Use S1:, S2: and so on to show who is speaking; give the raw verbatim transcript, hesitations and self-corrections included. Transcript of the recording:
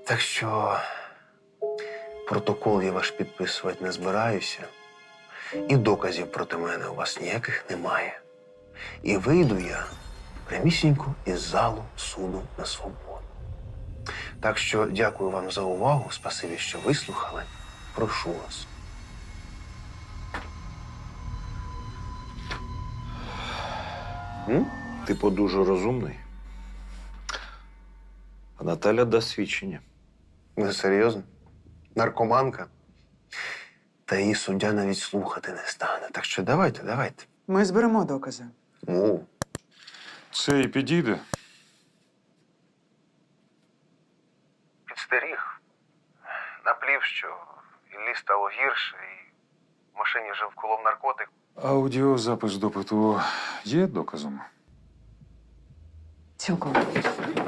S1: Так що протокол я ваш підписувати не збираюся. І доказів проти мене у вас ніяких немає. І вийду я прямісінько із залу суду на свободу. Так що дякую вам за увагу, спасибі, що вислухали. Прошу вас.
S2: М? Типу дуже розумний. А Наталя дасть свідчення.
S1: Ви серйозно? Наркоманка? Та її суддя навіть слухати не стане. Так що давайте, давайте.
S3: Ми зберемо докази.
S1: Ну,
S4: Це і підійде.
S1: підстеріг. Наплів, що Іллі стало гірше, і в машині вже вколов наркотик.
S4: Аудіозапис допиту є доказом?
S3: Цілком.